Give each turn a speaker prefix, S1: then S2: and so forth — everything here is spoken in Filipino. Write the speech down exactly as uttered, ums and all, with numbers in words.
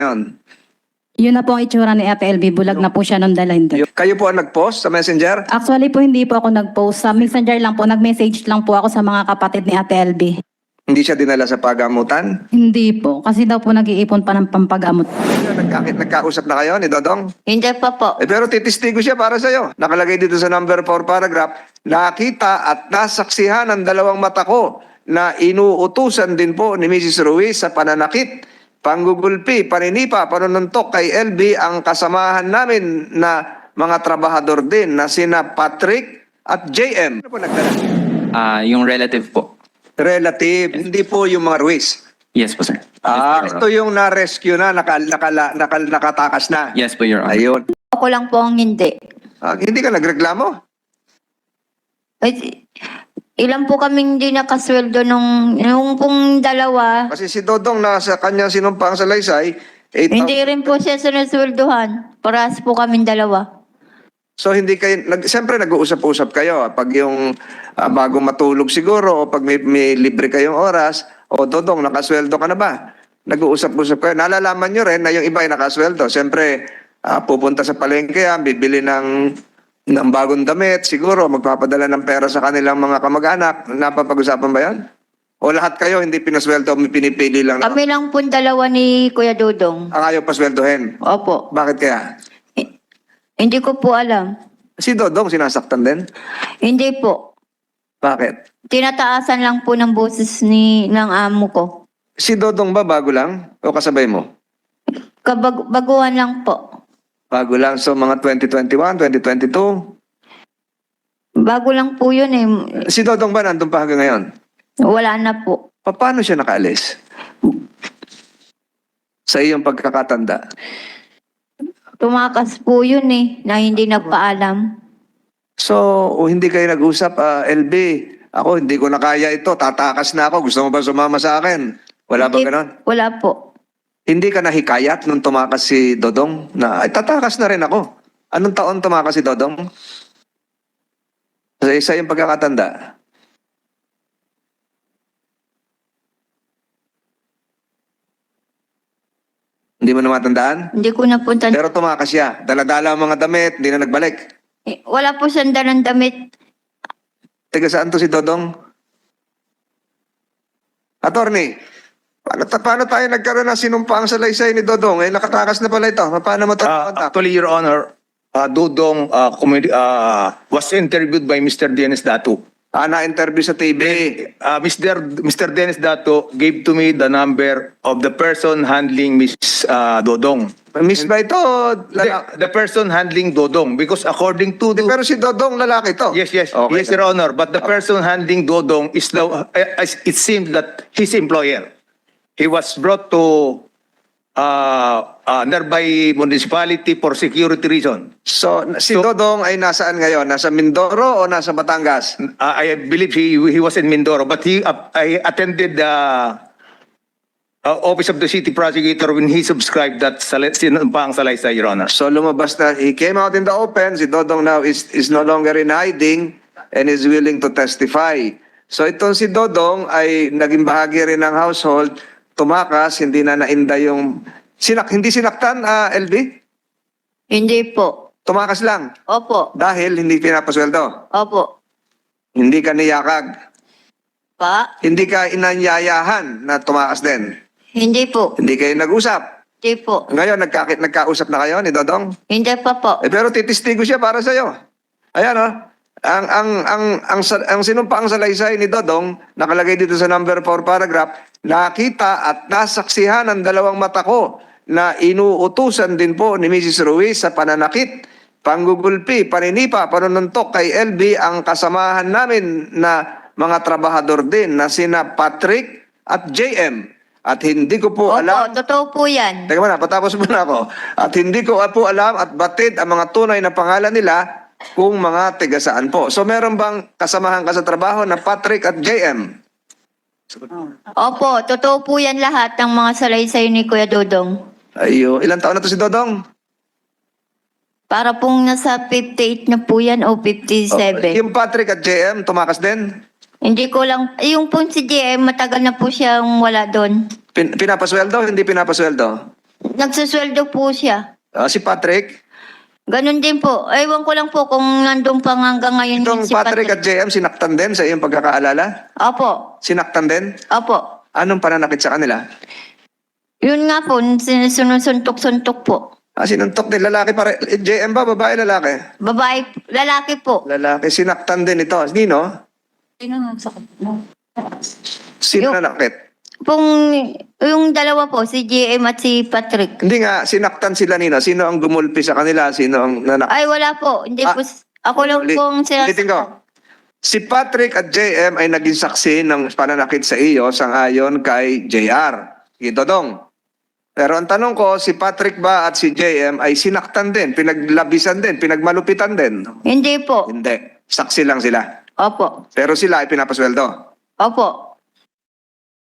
S1: Yun.
S2: Yun na po ang itsura ni Ate L B. Bulag na po siya nung dalhin doon.
S1: Kayo po ang nag-post sa Messenger?
S2: Actually po, hindi po ako nag-post. Sa Messenger lang po, nag-message lang po ako sa mga kapatid ni Ate L B.
S1: Hindi siya dinala sa pagamutan?
S2: Hindi po. Kasi daw po nag-iipon pa ng pampagamot.
S1: Nagka nagkausap na kayo ni Dodong?
S3: Hindi pa po.
S1: Eh, pero titistigo siya para sa'yo. Nakalagay dito sa number four paragraph, nakita at nasaksihan ng dalawang mata ko na inuutusan din po ni Missus Ruiz sa pananakit, panggugulpi, paninipa, panununtok kay L B ang kasamahan namin na mga trabahador din na sina Patrick at J M. Ano po nagdala?
S4: Ah, yung relative po.
S1: Relative, hindi po yung mga Ruiz.
S4: Yes po, sir.
S1: Ah,
S4: Yes, po,
S1: ito yung na-rescue na, naka, naka, naka, nakatakas na.
S4: Yes po, Your Honor.
S1: Ayun.
S3: Ako lang po ang hindi.
S1: Ah, hindi ka nagreklamo?
S3: Ay, ilan po kaming hindi nakasweldo nung, nung pong dalawa.
S1: Kasi si Dodong nasa kanyang sinumpang salaysay, eight thousand.
S3: Hindi rin po siya sinasweldohan. Parehas po kaming dalawa.
S1: So hindi kayo, nag, siyempre nag-uusap-usap kayo. Pag yung ah, bago matulog siguro, o pag may, may libre kayong oras, o Dodong, nakasweldo ka na ba? Nag-uusap-usap kayo. Nalalaman nyo rin na yung iba ay nakasweldo. Siyempre, ah, pupunta sa palengke yan, bibili ng, ng bagong damit, siguro magpapadala ng pera sa kanilang mga kamag-anak. Napapag-usapan ba yan? O lahat kayo hindi pinasweldo, may pinipili lang na
S3: Kami lang po dalawa ni Kuya Dudong.
S1: ang ayaw pasweldohin?
S3: Opo.
S1: Bakit kaya?
S3: Eh, Hindi ko po alam.
S1: Si Dodong sinasaktan din?
S3: Hindi po.
S1: Bakit?
S3: Tinataasan lang po ng boses ni ng amo ko.
S1: Si Dodong ba bago lang? O kasabay mo?
S3: Kabag baguhan lang po.
S1: Bago lang. So mga twenty twenty-one, twenty twenty-two.
S3: Bago lang po yun eh.
S1: Si Dodong ba nandun pa hanggang ngayon?
S3: Wala na po.
S1: Pa- Paano siya nakaalis? Sa iyong pagkakatanda.
S3: Tumakas po yun eh, na hindi nagpaalam.
S1: So, o hindi kayo nag-usap, ah, L B, ako hindi ko na kaya ito, tatakas na ako, gusto mo ba sumama sa akin? Wala ba
S3: Hindi-
S1: ganon?
S3: Wala po.
S1: Hindi ka nahikayat nung tumakas si Dodong na, ay tatakas na rin ako. Anong taon tumakas si Dodong? Sa isa yung pagkakatanda. Hindi mo na matandaan?
S3: Hindi ko na po tan-
S1: Pero tumakas siya. Dala-dala ang mga damit, hindi na nagbalik.
S3: Eh, wala po siyang dalang damit.
S1: Taga saan to si Dodong? Attorney, paano, ta- paano tayo nagkaroon ng sinumpang salaysay ni Dodong? Eh, nakatakas na pala ito. Paano mo ito?
S5: Uh, actually, Your Honor, uh, Dudong uh, communi- uh, was interviewed by Mister Dennis Datu.
S1: Ah, na-interview sa T V.
S5: Uh, Mister Mister Dennis Datu gave to me the number of the person handling Miss uh, Dodong.
S1: Miss ba ito? Lala-
S5: The, the person handling Dodong, because according to the...
S1: Pero si Dodong, lalaki to.
S5: Yes, yes,
S1: Okay.
S5: yes, Your Honor. But the person handling Dodong is the, uh, it seems that his employer. He was brought to uh, uh, nearby municipality for security reason.
S1: So, si Dodong ay nasaan ngayon? Nasa Mindoro o nasa Batangas?
S5: Uh, I believe he he was in Mindoro, but he uh, I attended the uh, office of the city prosecutor when he subscribed that sal- sinumpang salaysay, Your Honor.
S1: So, lumabas na. He came out in the open. Si Dodong now is, is no longer in hiding and is willing to testify. So, itong si Dodong ay naging bahagi rin ng household. Tumakas, hindi na nainda yung... Sinak, hindi sinaktan, ah, L B?
S3: Hindi po.
S1: Tumakas lang.
S3: Opo.
S1: Dahil hindi pinapasweldo.
S3: Opo.
S1: Hindi ka niyakag.
S3: Pa?
S1: Hindi ka inanyayahan na tumakas din.
S3: Hindi po.
S1: Hindi kayo nag-usap.
S3: Hindi po.
S1: Ngayon, nagka, nagkausap na kayo ni Dodong?
S3: Hindi pa po.
S1: Eh, pero titistigo siya para sa'yo. Ayan, oh. Ang, ang, ang, ang, ang, ang sinumpaang salaysay ni Dodong, nakalagay dito sa number four paragraph, nakita at nasaksihan ng dalawang mata ko na inuutusan din po ni Missus Ruiz sa pananakit, panggugulpi, paninipa, panununtok kay L B ang kasamahan namin na mga trabahador din na sina Patrick at J M. At hindi ko po
S3: Opo,
S1: alam...
S3: totoo po yan.
S1: Teka muna, patapos muna ako. At hindi ko po alam at batid ang mga tunay na pangalan nila kung mga tiga saan po. So meron bang kasamahan ka sa trabaho na Patrick at J M?
S3: Opo, totoo po yan lahat ng mga salaysay ni Kuya Dudong.
S1: Ayo, ilang taon na to si Dodong?
S3: Para pong nasa fifty-eight na po yan o fifty-seven.
S1: Yung Patrick at J M, tumakas din?
S3: Hindi ko lang, yung pong si J M, matagal na po siyang wala doon.
S1: Pin pinapasweldo, hindi pinapasweldo?
S3: Nagsusweldo po siya.
S1: Ah, si Patrick?
S3: Ganun din po. Ewan ko lang po kung nandun pa nga hanggang ngayon
S1: Itong
S3: din si
S1: Patrick
S3: Patrick.
S1: at J M, sinaktan din sa iyong pagkakaalala?
S3: Opo.
S1: Sinaktan din?
S3: Opo.
S1: Anong pananakit sa kanila?
S3: Yun nga po, sinusuntok-suntok po.
S1: Ah, sinuntok din. Lalaki pare. eh, J M ba? Babae, lalaki?
S3: Babae, lalaki po.
S1: Lalaki. Sinaktan din ito. Nino? Sino
S3: Yung-
S1: nanakit?
S3: Pong, yung dalawa po, si J M at si Patrick.
S1: Hindi nga, sinaktan sila Nino. Sino ang gumulpi sa kanila? Sino ang nanakit?
S3: Ay, wala po. Hindi
S1: Ah,
S3: po. Ako lang
S1: Ulit-
S3: pong
S1: Ulitin ko.
S3: sinasaktan.
S1: Si Patrick at J M ay naging saksi ng pananakit sa iyo sangayon kay J R. Ito dong. Pero ang tanong ko, si Patrick ba at si J M ay sinaktan din, pinaglabisan din, pinagmalupitan din?
S3: Hindi po.
S1: Hindi. Saksi lang sila.
S3: Opo.
S1: Pero sila ay pinapasweldo.
S3: Opo.